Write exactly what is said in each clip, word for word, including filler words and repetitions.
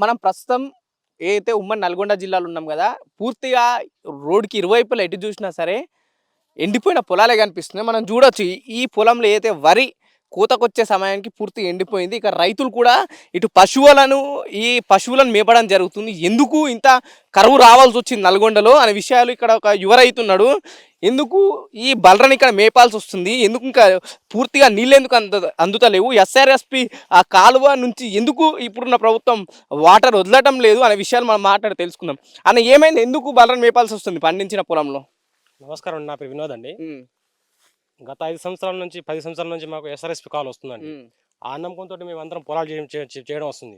మనం ప్రస్తుతం ఏదైతే ఉమ్మడి నల్గొండ జిల్లాలో ఉన్నాం కదా, పూర్తిగా రోడ్డుకి ఇరువైపులా ఎటు చూసినా సరే ఎండిపోయిన పొలాలే కనిపిస్తున్నాయి. మనం చూడొచ్చు ఈ ఈ పొలంలో ఏదైతే వరి కోతకొచ్చే సమయానికి పూర్తిగా ఎండిపోయింది. ఇక రైతులు కూడా ఇటు పశువులను ఈ పశువులను మేపడం జరుగుతుంది. ఎందుకు ఇంత కరువు రావాల్సి వచ్చింది నల్గొండలో అనే విషయాలు ఇక్కడ ఒక యువ రైతు ఉన్నాడు. ఎందుకు ఈ బలరని ఇక్కడ మేపాల్సి వస్తుంది, ఎందుకు ఇంకా పూర్తిగా నీళ్ళు ఎందుకు అంద అందుతలేవు, ఎస్ఆర్ఎస్పి ఆ కాలువ నుంచి ఎందుకు ఇప్పుడున్న ప్రభుత్వం వాటర్ వదలటం లేదు అనే విషయాలు మనం మాట్లాడి తెలుసుకుందాం. అన్న ఏమైంది, ఎందుకు బలరని మేపాల్సి వస్తుంది పండించిన పొలంలో? నమస్కారం అండి, నా పేరు వినోద్ అండి. గత ఐదు సంవత్సరాల నుంచి పది సంవత్సరాల నుంచి మాకు ఎస్ఆర్ఎస్పి కాల్ వస్తుందండి. ఆ నమ్మకంతో మేము అందరం పొలాలు చేయడం చే- చేయడం వస్తుంది.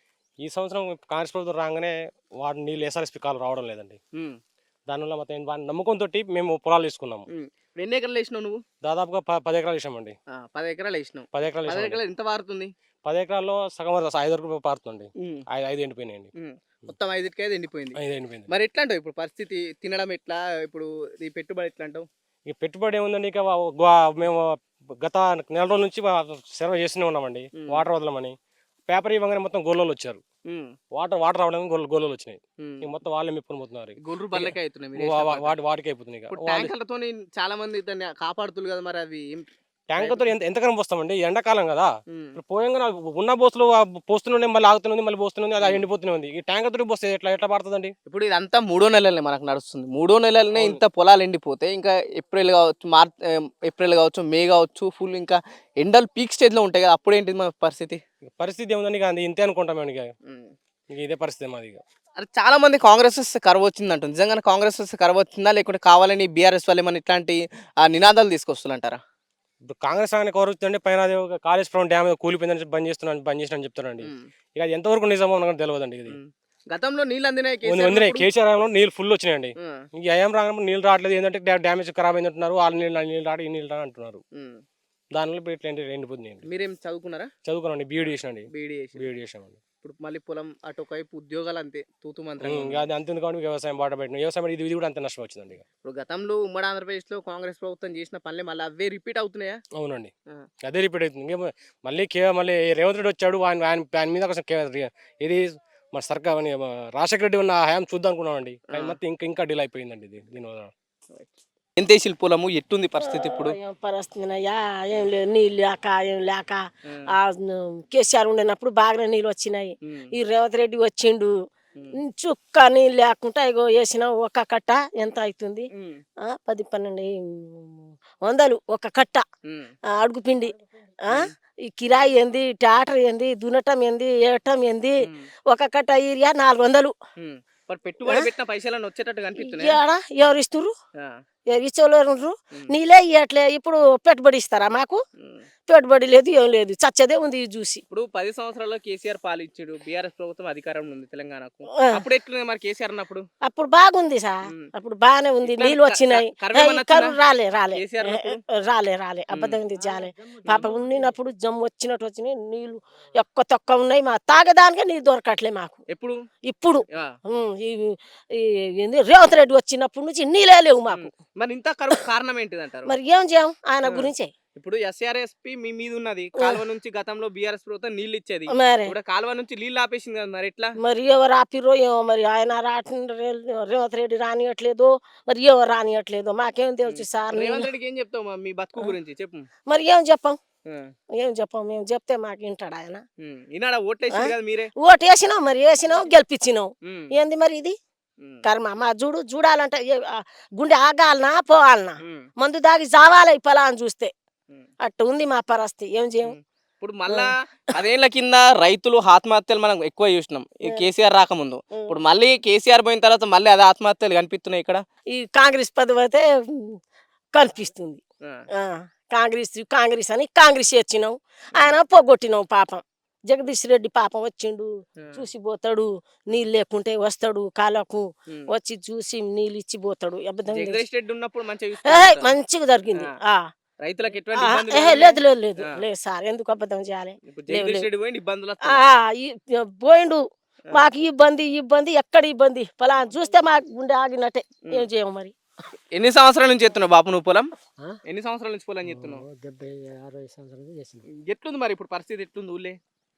ఈ సంవత్సరం కాంగ్రెస్ ప్రభుత్వం రాగానే వాటి నీళ్ళు ఎస్ఆర్ఎస్పి కాల్ రావడం లేదండి. దానివల్ల మొత్తం వాటి నమ్మకంతో మేము పొలాలు తీసుకున్నాము. ఇప్పుడు ఎన్ని ఎకరాలు వేసినావు నువ్వు? దాదాపుగా ప- పది ఎకరాలు వేసామండి. ఆ, పది ఎకరాలు వేసినావు. పది ఎకరాలు పది వేసామండి. ఎకరాలు ఎంత పారుతుంది? పది ఎకరాల్లో సగం వరకు ఐదు వరకు పారుతుంది. ఉమ్, ఐదు ఐదు ఎండిపోయినాయండి. ఉమ్. మొత్తం ఐదుకి ఐదు ఎండిపోయింది. ఐదు ఎండిపోయింది. మరి ఎట్లా అంటావు ఇప్పుడు పరిస్థితి? తినడం ఎట్లా, ఇప్పుడు ఈ పెట్టుబడి ఎట్లా అంటావు? ఇక పెట్టుబడి ఏముందండి, ఇక వా- వా- మేము గత నెల రోజుల నుంచి సర్వే చేస్తూనే ఉన్నామండి. ఉమ్. వాటర్ వదలమని పేపర్ ఇవ్వగానే మొత్తం గొల్లోలు వచ్చారు. ఉమ్, వాటర్ వాటర్ రావడానికి గొల్ల గొల్లోలు వచ్చినాయి. ఉమ్. ఇక మొత్తం వాళ్ళే మెప్పుకొని పోతున్నారు. గొర్రెలు బల్లకే అవుతున్నాయి మీరు వా- వేసిన వా- పంట. వాటి వాటికి అయిపోతుంది. ఇక ఇప్పుడు వాళ్ళు ట్యాంకర్లతో చాలా మంది దాన్ని కాపాడుతున్నారు కదా, మరి అవి ఏం? ట్యాంకర్తో ఎంత ఎంతకరం పోస్తామండి, ఎండాకాలం కదా. ఉమ్, ఇప్పుడు పోయంగా ఉన్న బోసులు పోస్తూనే మళ్ళీ ఆగుతుంది, మళ్ళీ పోస్తూనే అది ఎండిపోతూనే ఉంది. ఈ ట్యాంకర్ తోటి పోస్తే ఎట్లా ఎట్లా పడుతుందండి? ఇప్పుడు ఇదంతా మూడో నెలలనే మనకు నడుస్తుంది. మూడో నెలలనే అవును. ఇంత పొలాలు ఎండిపోతే ఇంకా ఏప్రిల్ కావచ్చు, మార్చ్, ఏప్రిల్ కావచ్చు, మే కావచ్చు, ఫుల్ ఇంకా ఎండలు పీక్ స్టేజ్ లో ఉంటాయి కదా, అప్పుడు ఏంటి మన పరిస్థితి? ఇక పరిస్థితి ఏముందండి, ఇక అది ఇంతే అనుకుంటాం మేము. ఇక ఇక ఇదే పరిస్థితి మాది. ఇక అరే చాలా మంది కాంగ్రెస్ వస్తే కరువు వచ్చింది అంటుంది. నిజంగానే కాంగ్రెస్ వస్తే కరువు వచ్చిందా, లేకుంటే కావాలని బీఆర్ఎస్ వాళ్ళు ఏమైనా ఇట్లాంటి ఆ నినాదాలు తీసుకొస్తుంటారా? ఇప్పుడు కాంగ్రెస్ ఆయన కోరుతుంటే పైన అది ఒక కాళేశ్వరం డ్యామ్ కూలిపోయిందని బంద్ చేస్తున్నాను బంద్ చేసిన చెప్తారండి. ఇక అది ఎంతవరకు నిజమో మనకు తెలియదండి. ఇది గతంలో నీళ్ళు అందినాయి ఉంది- కేసీఆర్ ఉంది ఉన్నప్పుడు? కేసీఆర్ హయాంలో నీళ్ళు ఫుల్ వచ్చినాయండి. ఉమ్, ఇంక ఏం రాగానే నీళ్ళు రావట్లేదు, ఏంటంటే డ్యా- డ్యామేజ్ ఖరాబ్ అయింది అంటున్నారు. వాళ్ళ నీళ్ళు నీళ్ళు రాడు ఈ నీళ్ళు రాడు అంటున్నారు. ఉమ్. దానివల్ల ఇప్పుడు ఇట్లా ఎండి- ఎండిపోతుంది. మీరేం చదువుకున్నారా? చదువుకున్నాండి, బీఈడి చేసినండి. బీఈడీ చేసి బీఈడి చేసామండి. ఇప్పుడు మళ్ళీ పొలం అటు ఒకవైపు ఉద్యోగాలు అంతే తూతు మంత్రంగా ఉమ్, ఉంది. ఇక అది అంతుంది కాబట్టి వ్యవసాయం బాట పెట్టిన వ్యవసాయం ఇది ఇది కూడా అంత నష్టం వచ్చిందండి. ఇక ఇప్పుడు గతంలో ఉమ్మడి ఆంధ్రప్రదేశ్ లో కాంగ్రెస్ ప్రభుత్వం చేసిన పనులే మళ్ళీ అవే రిపీట్ అవుతున్నాయా? అవునండి, ఆ. అదే రిపీట్ అవుతుంది. ఇంకేమో మళ్ళీ కే మళ్ళీ రేవంత్ రెడ్డి వచ్చాడు, ఆయన ఆయన ఆయన మీద కొంచెం కే- ఇది మన సర్కార్ అని మన రాజశేఖర రెడ్డి ఉన్న హయాం చూద్దాం అనుకున్నామండి. కానీ మొత్తం ఇంకా ఇంకా డిలే అయిపోయిందండి ఇది దీనివల్ల. ఎంత వేసిన పొలము, ఎట్టుంది పరిస్థితి ఇప్పుడు? ఏం పరిస్థితినయ్యా, ఏం లేదు, నీళ్ళు లేక ఏం లేక. ఉమ్, ఆ కేసీఆర్ ఉండినప్పుడు బాగానే నీళ్ళు వచ్చినాయి. ఉమ్, ఈ రేవంత్ రెడ్డి వచ్చిండు, ఉమ్, చుక్క నీళ్ళు లేకుండా ఇగో వేసిన ఒక కట్ట ఎంత అవుతుంది? ఉమ్, ఆ, పది పన్నెండు వందలు ఒక కట్ట. ఉమ్, ఆ, అడుగు పిండి. ఆ, ఈ కిరాయి ఏంది, ట్రాక్టర్ ఏంది, దున్నటం ఏంది, ఏటం ఏంది, ఉమ్, ఒక కట్ట ఏరియా నాలుగు వందలు. ఉమ్. మరి పెట్టుబడి పెట్టిన పైసలను వచ్చేటట్టు కనిపిస్తున్నాయి. ఏడా ఎవరు ఇస్తుర్రు? ఇచ్చేవాళ్ళు నీళ్ళే ఇవ్వట్లే. ఇప్పుడు పెట్టుబడి ఇస్తారా మాకు? పెట్టుబడి లేదు, ఏం లేదు, చచ్చదే ఉంది ఇది చూసి. ఇప్పుడు పది సంవత్సరాల్లో కేసీఆర్ పాలిచ్చాడు, బీఆర్ఎస్ ప్రభుత్వం అధికారంలో ఉంది తెలంగాణకు. ఆ. అప్పుడు ఎట్లుంది మరి కేసీఆర్ అన్నప్పుడు? అప్పుడు బాగుంది సార్, ఉమ్. అప్పుడు బాగానే ఉంది, ఇట్లా నీళ్ళు క- వచ్చినాయి. క- కరువు ఏమన్నా కరువు వచ్చిందా? రాలే రాలే కేసీఆర్ ఏ, ఉన్నప్పుడు? రాలే రాలే అబద్ధం ఉంది జాలే. పాప ఉండినప్పుడు జమ్ము వచ్చినట్టు వచ్చినాయి నీళ్ళు, ఎక్కువ తక్కువ ఉన్నాయి. మా తాగదానికే నీళ్ళు దొరకట్లే మాకు ఎప్పుడు? ఇప్పుడు. ఆ. ఉమ్, ఈ ఈ ఏంది రేవంత్ రెడ్డి వచ్చినప్పటి నుంచి నీళ్ళే లేవు మాకు. ఉమ్. మరి ఇంత కరువు కారణం ఏంటిది అంటారు? మరి ఏం చేయం ఆయన ఆ. గురించే. ఇప్పుడు ఎస్ఆర్ఎస్పి మీ మీద ఉన్నది, కాలువ నుంచి గతంలో బీఆర్ఎస్ ప్రభుత్వం నీళ్ళు ఇచ్చేది, మరి ఇప్పుడు కాలువ నుంచి నీళ్ళు ఆపేసింది కదా, మరి ఎట్లా? మరి ఎవరు ఆపిరో ఏమో, మరి ఆయన రాటి రేవంత్ రెడ్డి రానియట్లేదు, మరి ఎవరు రానియట్లేదు, మాకేం తెలుసు సార్. రేవంత్ నేను- రెడ్డికి ఏం చెప్తావు మా- మీ బతుకు గురించి చెప్పు. మరి ఏం చెప్పాం, ఆ. ఏం చెప్పాం, మేము చెప్తే మాకు వింటాడు ఆయన. ఉమ్. ఈనాడ ఓట్లేసింది కదా మీరే. ఓటు వేసినాం, మరి వేసినాం, గెలిపించినాం. ఉమ్. ఏంది మరి ఇది ఉమ్. కర్మ? మా చూడు చూడాలంటే ఏ- ఆ గుండె ఆగాలనా పోవాలనా, ఉమ్. మందు దాగి జావాలి ఈ పొలాన్ని చూస్తే. ఉమ్. అట్టు ఉంది మా పరిస్థితి, ఏం చేయం. ఉమ్. ఇప్పుడు మళ్ళా పదేళ్ల కింద రైతులు ఆత్మహత్యలు మనం ఎక్కువ చూసినాం ఈ కేసీఆర్ రాకముందు. ఉమ్. ఇప్పుడు మళ్ళీ కేసీఆర్ పోయిన తర్వాత మళ్ళీ అదే ఆత్మహత్యలు కనిపిస్తున్నాయి ఇక్కడ. ఈ కాంగ్రెస్ పదవి అయితే ఉమ్, కనిపిస్తుంది. ఆ. ఆ, కాంగ్రెస్ కాంగ్రెస్ అని కాంగ్రెస్ వచ్చినాం, ఆయన పోగొట్టినాం పాపం. జగదీష్ రెడ్డి పాపం వచ్చిండు, ఆ. చూసి పోతాడు, నీళ్ళు లేకుంటే వస్తాడు కాలకు, ఉమ్. వచ్చి చూసి నీళ్ళు ఇచ్చి పోతాడు. అబద్ధం లేదు. జగదీష్ రెడ్డి ఉన్నప్పుడు మంచిగా ఏయ్, చూసుకున్నారు. మంచిగా జరిగింది. ఆ. ఆ. రైతులకు ఎటువంటి ఆ, ఇబ్బందులు ఏహే, లేవు. లేదు లేదు లేదు ఆ. లేదు సార్, ఎందుకు అబద్ధం చేయాలి? ఇప్పుడు లేవు, జగదీష్ లేవు. రెడ్డి పోయింది, ఇబ్బందులు ఆ, వస్తున్నాయి. ఈ- పోయిండు, మాకు ఈ ఇబ్బంది ఈ ఇబ్బంది ఎక్కడ ఇబ్బంది, ఫలా చూస్తే మాకు గుండె ఆగినట్టే. ఏం చేయము మరి. ఎన్ని సంవత్సరాల నుంచి చేస్తున్నావు బాపు నువ్వు పొలం? ఆ? ఎన్ని సంవత్సరాల నుంచి పొలం చేస్తున్నావు? ఓ డెబ్బై అరవై సంవత్సరాలు చేసింది. ఎట్లుంది మరి ఇప్పుడు పరిస్థితి, ఎట్లుంది ఊళ్ళే?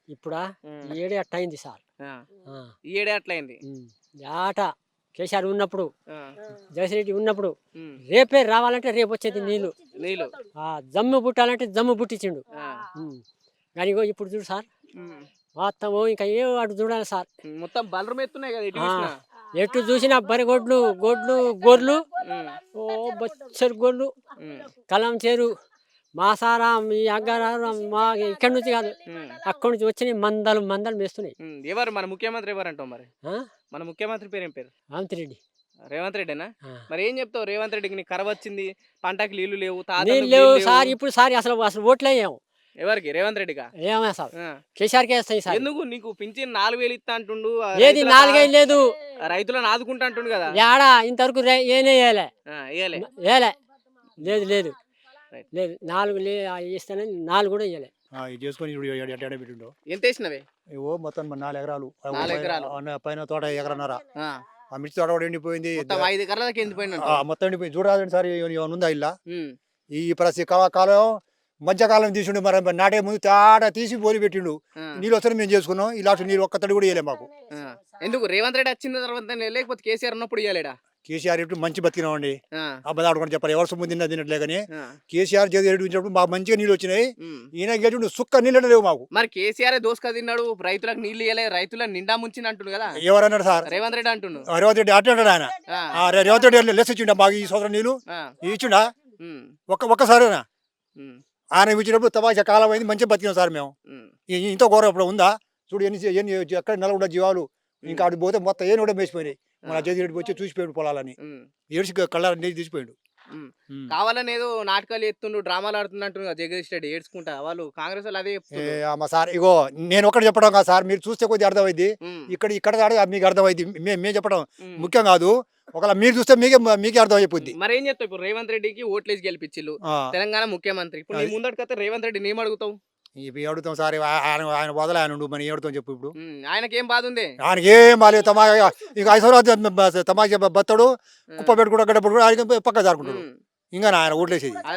ఇప్పుడా ఉమ్. ఈ ఏడే అట్ట అయింది సార్. ఆ. ఆ, ఈ ఏడే అట్లయింది. ఉమ్. ఆట కేసీఆర్ ఉన్నప్పుడు ఆ. జగన్రెడ్డి ఉన్నప్పుడు ఉమ్. రేపే రావాలంటే రేపు వచ్చేది నీళ్ళు. నీళ్ళు. ఆ జమ్ము పుట్టాలంటే జమ్ము పుట్టించిండు. ఆ. ఉమ్. కానీ ఇగో ఇప్పుడు చూడు సార్ ఉమ్. మొత్తం ఇంకా ఏ అటు చూడాలి సార్. మొత్తం బలరం ఎత్తున్నాయి కదా ఎటు ఆ, చూసినా. ఎటు చూసినా బరిగొడ్లు గొడ్లు గొర్రెలు ఉమ్. ఓ బొచ్చరు గొర్రెలు ఉమ్. కలం చేరు మా సారా మీ అగ్గారాం మా ఇక్కడి నుంచి కాదు ఉమ్. అక్కడి నుంచి వచ్చినాయి మందలు మందలు మేస్తున్నాయి. ఉమ్. ఎవరు మన ముఖ్యమంత్రి ఎవరు అంటావు మరి? ఆ? మన ముఖ్యమంత్రి పేరు ఏం పేరు? రామతిరెడ్డి. రేవంత్ రెడ్డినా? ఆ. మరి ఏం చెప్తావు రేవంత్ రెడ్డికి? నీకు కరవ వచ్చింది, పంటకి నీళ్లు లేవు, నీళ్ళు తాతలకు లేవు నీళ్లు సార్. లేవు. ఇప్పుడు సార్ అసలు అసలు ఓట్లు వేయము. ఎవరికి? రేవంత్ రెడ్డిగా? ఏమే సార్ ఆ. కేసీఆర్కే వేస్తాయి సార్. ఎందుకు? నీకు పింఛన్ నాలుగు వేలు ఇస్తా అంటుండు, ఆ ఏది రైతులకు నాలుగైదు లేదు ఆ రైతులను ఆదుకుంటా అంటుండు కదా. ఏడా ఇంతవరకు రే- ఏనే వేయలే ఆ, ఇయ్యలే. వేయలే లేదు లేదు రైట్. లేదు నాలుగు లే ఇస్తానని నాలుగు కూడా వేయలే. ఇది చేసుకొని ఇప్పుడు ఎడ- ఎడ- ఎడ పెట్టిండు. ఎంత వేసినవే? ఇవో మొత్తం మన నాలుగు ఎకరాలు ఆ నాలుగు పైన- ఎకరాలు. ఆ పైన తోట ఎకరన్నర. ఆ. ఆ మిర్చి తోట కూడా ఎండిపోయింది. మొత్తం ఐదు ఎకరాలకి ఎండిపోయిందంట. ఆ, మొత్తం ఎండిపోయింది. చూడాలండి సార్ ఏమైనా ఉందా ఇలా ఉమ్. ఈ ప్రతి కా- కాలం మధ్యకాలం తీసిండు. మరి నాటే ముందు తాట తీసి పోలి పెట్టిండు. ఆ. నీళ్ళు వస్తే మేము చేసుకున్నాం. ఈ లాస్ట్ నీళ్ళు ఒక్క తడి కూడా ఇవ్వలే మాకు. ఆ. ఎందుకు రేవంత్ రెడ్డి వచ్చిన తర్వాత లేకపోతే కేసీఆర్ ఉన్నప్పుడు ఇవ్వలేడా? కేసీఆర్ ఇప్పుడు మంచి బతికినామండి. ఆ. అబ్బదాడుకొని చెప్పాలి. ఎవరు సొమ్ము తిన్నా తినట్లే కానీ ఆ. కేసీఆర్ చేతి ఎడిపించినప్పుడు మాకు మంచిగా నీళ్ళు వచ్చినాయి. ఉమ్. ఈయన గెలిచి సుక్క నీళ్ళు లేవు మాకు. మరి కేసీఆర్ దోసుక తిన్నాడు, రైతులకు నీళ్లు ఇవ్వలే, రైతులను నిండా ముంచింది అంటుండు కదా ఎవరన్నారు సార్? రేవంత్ రెడ్డి అంటుండు. ఆ, రేవంత్ రెడ్డి అట్లా అంటాడు ఆయన. ఆ. ఆ, రే- రేవంత్ రెడ్డి లెస్ ఇచ్చిండా మాకు ఈ సంవత్సరం నీళ్ళు ఆ. ఇచ్చిండా? ఉమ్. ఒక్క ఒక్కసారేనా ఉమ్. ఆయన ఇచ్చినప్పుడు తమాషా కాలం అయింది. మంచిగా బతికినాం సార్ మేము. ఉమ్. ఈ- ఇంత ఘోరం ఇప్పుడు ఉందా? చూడు ఎన్ని ఎన్ని ఎక్కడ నలుగుండ జీవాలు ఇంకా అటు పోతే మొత్తం ఏం కూడా మేసిపోయినాయి. మన జగన్ వచ్చి చూసిపోయాడు పొలాలని. ఉమ్. ఏడ్చి కళ్ళ నీళ్ళు తీసిపోయాడు. ఉమ్. ఉమ్. కావాలని ఏదో నాటకాలు ఎత్తుండు, డ్రామాలు ఆడుతున్నట్టు జగదీష్ రెడ్డి ఏడ్చుకుంటా. వాళ్ళు కాంగ్రెస్ వాళ్ళు అదే ఏ, చెప్తుండ్రు. అమ్మ సార్ ఇగో నేను ఒకటి చెప్పడం కాదు సార్. మీరు చూస్తే కొద్దిగా అర్థమైంది. ఉమ్. ఇక్కడ ఇక్కడ కాదు మీకు అర్థమైంది. మేము మేము చెప్పడం ఉమ్. ముఖ్యం కాదు. ఒకవేళ మీరు చూస్తే మీకే మీకే అర్థం అయిపోద్ది. మరి ఏం చెప్తావు? ఇప్పుడు రేవంత్ రెడ్డికి ఓట్లేసి గెలిపించిల్లు, ఆ, తెలంగాణ ముఖ్యమంత్రి. ఇప్పుడు నీ అది. ముందటికైతే రేవంత్ రెడ్డిని ఏం అడుగుతావు? ఇవి అడుగుతాం సార్. ఆ- ఆయన ఆయన వదల ఆయన ఉండు మరి ఏడుతాం చెప్పు ఇప్పుడు. ఉమ్. ఆయనకేం బాధ ఉంది? ఆయనకి ఏం బాలేదు. తమా ఇంకా ఐశ్వర్య తమాషా బత్తడు కుప్ప పెట్టుకుంటూ గడ్డ పెట్టుకుంటూ ఆయన పక్క జారుకుంటాడు. ఉమ్. ఇంకా ఆయన ఓట్లేసేది ఆ.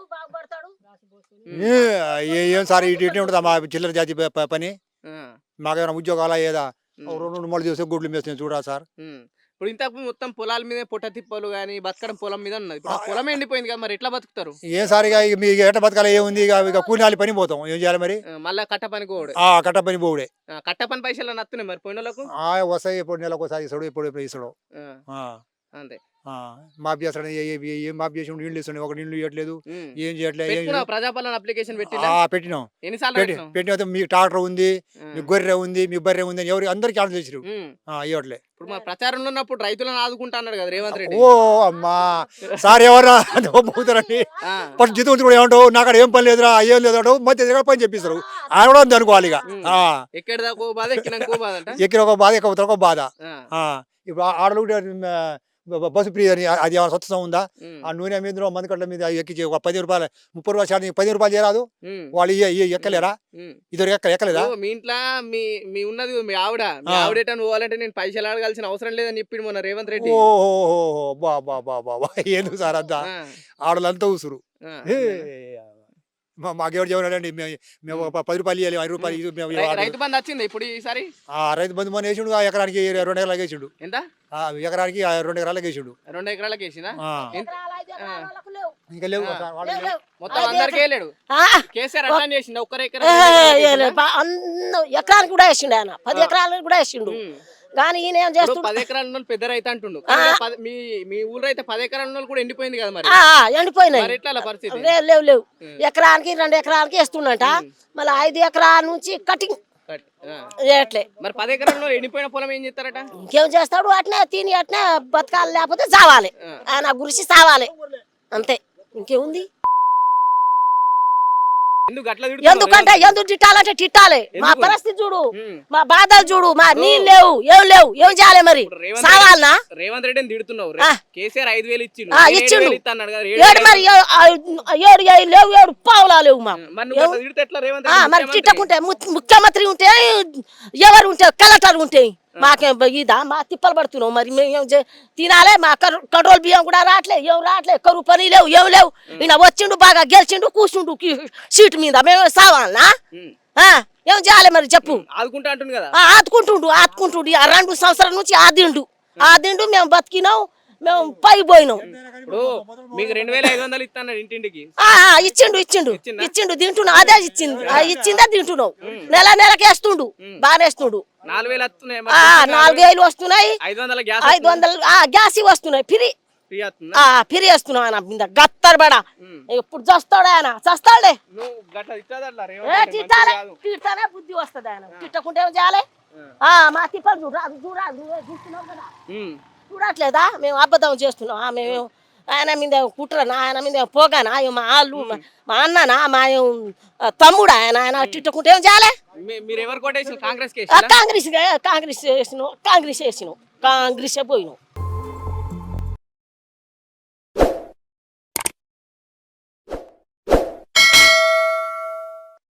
ఏ ఏ- ఏం సార్ ఇటు ఇటు ఉంటుంది మా చిల్లర జాతి ప- ప- పని. ఆ. మాకేమైనా ఉద్యోగాలా ఏదా? ఉమ్. ఓ రెండు రెండు మూడు చేస్తే గుడ్లు మేస్తే చూడా సార్. ఉమ్. ఇప్పుడు ఇంతకు మొత్తం పొలాల మీద పొట్ట తిప్పలు కానీ బతకడం పొలం మీద ఉన్నది. ఇప్పుడు ఆ పొలం ఎండిపోయింది కదా, మరి ఎట్లా బతుకుతారు? ఏం సార్ ఇక ఇక మీకు ఎట్ట బతకాల ఏముంది? ఇక ఇక కూలినాలి పని పోతాం. ఏం చేయాలి మరి? ఆ, మళ్ళా కట్ట పని కోడు. ఆ కట్ట పని పోవుడే. కట్ట పని పైసలు నత్తున్నాయి మరి పోయిన వాళ్ళకు. ఆ వస్తాయి. ఎప్పుడు నెలకు ఒకసారి ఇస్తాడు, ఎప్పుడు ఎప్పుడు ఇస్తాడు. ఆ, ఆ, అంతే. ఆ, మాఫ్ చేస్తాడు. ఏ- ఏ- ఏం మాఫ్ చేసి నీళ్ళు ఇస్తాడు. ఒక నీళ్ళు ఇవ్వట్లేదు. ఉమ్. ఏం చేయట్లేదు. ఏం పెట్టుకున్నావు ప్రజాపాలన అప్లికేషన్ పెట్టిలా? ఆ, పెట్టినాం. ఎన్నిసార్లు పెట్టి పెట్టినావు? పెట్టిన మీకు ట్రాక్టర్ ఉంది, ఆ. మీకు గొర్రె ఉంది, మీ బర్రె ఉంది అని ఎవరు అందరికి ఆర్డర్ చేసిరు. ఉమ్. ఇవ్వట్లే. ఇప్పుడు మా ప్రచారంలో ఉన్నప్పుడు రైతులను ఆదుకుంటా అన్నాడు కదా రేవంత్ రెడ్డి. ఓ అమ్మా సార్ ఎవరా పోతారండి. ఆ. ఫస్ట్ జీతం కూడా ఏమంటావు? నాకు అక్కడ ఏం పని లేదురా, ఏం లేదు మధ్య దగ్గర పని చెప్పిస్తారు. ఆయన కూడా అంతే అనుకోవాలి. ఇక ఉమ్. ఆ, ఎక్కడి దాకా బాధ, ఎక్కినాక బాధ అంట. ఎక్కిన ఒక బాధ, ఎక్కడ ఒక బాధ. ఆ. ఆ, ఇప్పుడు ఆడలు బస్సు ఫ్రీ అని అది ఏమైనా స్వచ్ఛం ఉందా? ఉమ్. ఆ నూనె మీద మంది కట్ల మీద ఎక్కించి ఒక పది రూపాయలు ముప్పై రూపాయలు షార్ట్ పది రూపాయలు చేయరాదు. ఉమ్. వాళ్ళు ఇయ్య- ఇయ్య ఎక్కలేరా? ఉమ్. ఇద్దరు ఎక్క ఎక్కలేదా? ఓ, మీ ఇంట్లో మీ మీ ఉన్నది మీ ఆవిడ మీ ఆ. ఆవిడ ఎటని పోవాలంటే నేను పైసలు అడగాల్సిన అవసరం లేదని చెప్పిండు మొన్న రేవంత్ రెడ్డి. ఓహో బా బా బా బా బా ఎందుకు సార్ అంతా ఆ. ఆడలంతా ఉసురు. ఆ. ఏ, మా మాకెవరు చెప్పాడండి మేము ఒక పది రూపాయలు ఇవ్వాలి, ఐదు రూపాయలు ఇది మేము రై- ఇవ్వాలి. రైతు బంధు వచ్చింది ఇప్పుడు ఈసారి. ఆ రైతు బంధు మన వేసిండు. ఆ ఎకరానికి రెండు ఎకరాలకు వేసిండు. ఎంత? ఆ ఎకరానికి ఆ రెండు ఎకరాలకు వేసిండు. రెండు ఎకరాలకు వేసిందా? ఆ, ఎంత? ఆ. ఇంకా లేవు ఆ. సార్ వాళ్ళు లేవు. మొత్తం అందరికి వెళ్ళాడు. కేసీఆర్ అట్లా చేసిండు. ఒక్కరు ఎకరా ఎకరానికి కూడా వేసిండు ఆయన, పది ఎకరాలకు కూడా వేసిండు. కానీ ఈయన ఏం ఇప్పుడు చేస్తుండు? పది ఎకరాల ఉన్న వాళ్ళు పెద్ద రైతు అంటుండు. ఆ. కానీ పది- మీ మీ ఊళ్ళో అయితే పది ఎకరాల ఉన్న వాళ్ళు కూడా ఎండిపోయింది కదా మరి. ఆ, ఆ, ఎండిపోయినాయి. మరి ఎట్లా అలా పరిస్థితి? లేవు లేవు లేవు ఉమ్. ఎకరానికి రెండు ఎకరాలకి వేస్తుండట. మళ్ళీ ఐదు ఎకరాల నుంచి కటింగ్ కట్. ఆ. చేయట్లే. మరి పది ఎకరాల్లో ఎండిపోయిన పొలం ఏం చేస్తారట? ఇంకేం చేస్తాడు? అట్నే తిని అట్నే బతకాలి, లేకపోతే చావాలి. ఆ. ఆయన గురిసి చావాలి అంతే, ఇంకేముంది? ఎందుకు అట్లా తిడుతున్నావు ఎందుకంటే రేవంత్ ఎందుకు తిట్టాలంటే తిట్టాలి. మా ఎందుకు? పరిస్థితి చూడు, ఉమ్. మా బాధలు చూడు, మా నీళ్ళు లేవు, ఏం లేవు, ఏం చేయాలి మరి? ఇప్పుడు రేవంత్ చావాలనా? రేవంత్ రెడ్డిని తిడుతున్నావు. ఆ. కేసీఆర్ ఐదు వేలు ఇచ్చిండు. ఆ, నేను ఏడు ఇచ్చిండు. వేలు ఇస్తా అన్నాడు కదా. ఏడు ఏడు వేలు మరి ఏ- ఆ, ఏడు ఏడు లేవు, ఏడు పావులా లేవు మాకు. మరి నువ్వు అట్లా తిడితే ఎట్లా రేవంత్ ఆ, రెడ్డి మరి ముఖ్యమంత్రి? తిట్టకుంటే ము- ముఖ్యమంత్రి ఉంటే ఎవరు ఉంటే కలెక్టర్ ఉంటే మాకేం ఇదా? మా తిప్పలు పడుతున్నావు మరి. మేము ఏం చే- తినాలే, మా కర్- కంట్రోల్ బియ్యం కూడా రావట్లే, ఏం రావట్లే, కరువు పని లేవు, ఏం లేవు. ఈయన వచ్చిండు, బాగా గెలిచిండు, కూర్చుండు కీ- సీటు మీద, మేము సావాలనా? ఉమ్. ఆ, ఏం చేయాలి మరి చెప్పు ఆదుకుంటా అంటుంది కదా ఆ, ఆదుకుంటుండు ఆదుకుంటుండు ఆ రెండు సంవత్సరాల నుంచి ఆదిండు ఆదిండు మేము బతికినాం మేము పై పోయినాం ఇప్పుడు మీకు రెండు వేల ఐదు వందలు ఇస్తాను ఇంటింటికి ఆ, ఆ, ఇచ్చిండు ఇచ్చిండు ఇచ్చిండు తింటున్నావు అదే ఇచ్చింది ఆ, ఇచ్చిందే తింటున్నావు నెల నెలకి వేస్తుండు బాగానే వేస్తుండు నాలుగు వేలు వస్తున్నాయి ఆ, నాలుగు వేలు వస్తున్నాయి ఐదు వందల గ్యాస్ ఐదు వందలు ఆ, గ్యాస్ ఇవి వస్తున్నాయి ఫ్రీ ఫ్రీ వస్తుందా ఆ ఫ్రీ వేస్తున్నావు ఆయన మీద గత్తర్ బడా ఎప్పుడు చస్తాడు ఆయన చస్తాడే నువ్వు గట్ల ఇచ్చాదట్లా ఏ రేవంత్ రెడ్డి తిట్టాలే మంచిది కాదు. తిట్టానే బుద్ధి వస్తుంది ఆయన తిట్టకుంటే ఏం చేయాలి ఆ, మా తిప్పలు చూడు రాదు చూడాలి నువ్వే చూస్తున్నావు కదా ఉమ్. చూడట్లేదా మేము అబద్ధం చేస్తున్నాం ఆ, మేము ఆయన మీద కుట్రనా ఆయన మీద పోగానా అయ్యో మా వాళ్ళు మా- మా అన్ననా మా ఆ, తమ్ముడు ఆయన ఆయన తిట్టకుంటే ఏం చేయాలి మీ- మీరు ఎవరు కొట్టేసి కాంగ్రెస్ ఆ, కాంగ్రెస్ కాంగ్రెస్ వేసినావు కాంగ్రెస్ వేసినావు కాంగ్రెస్ పోయినావు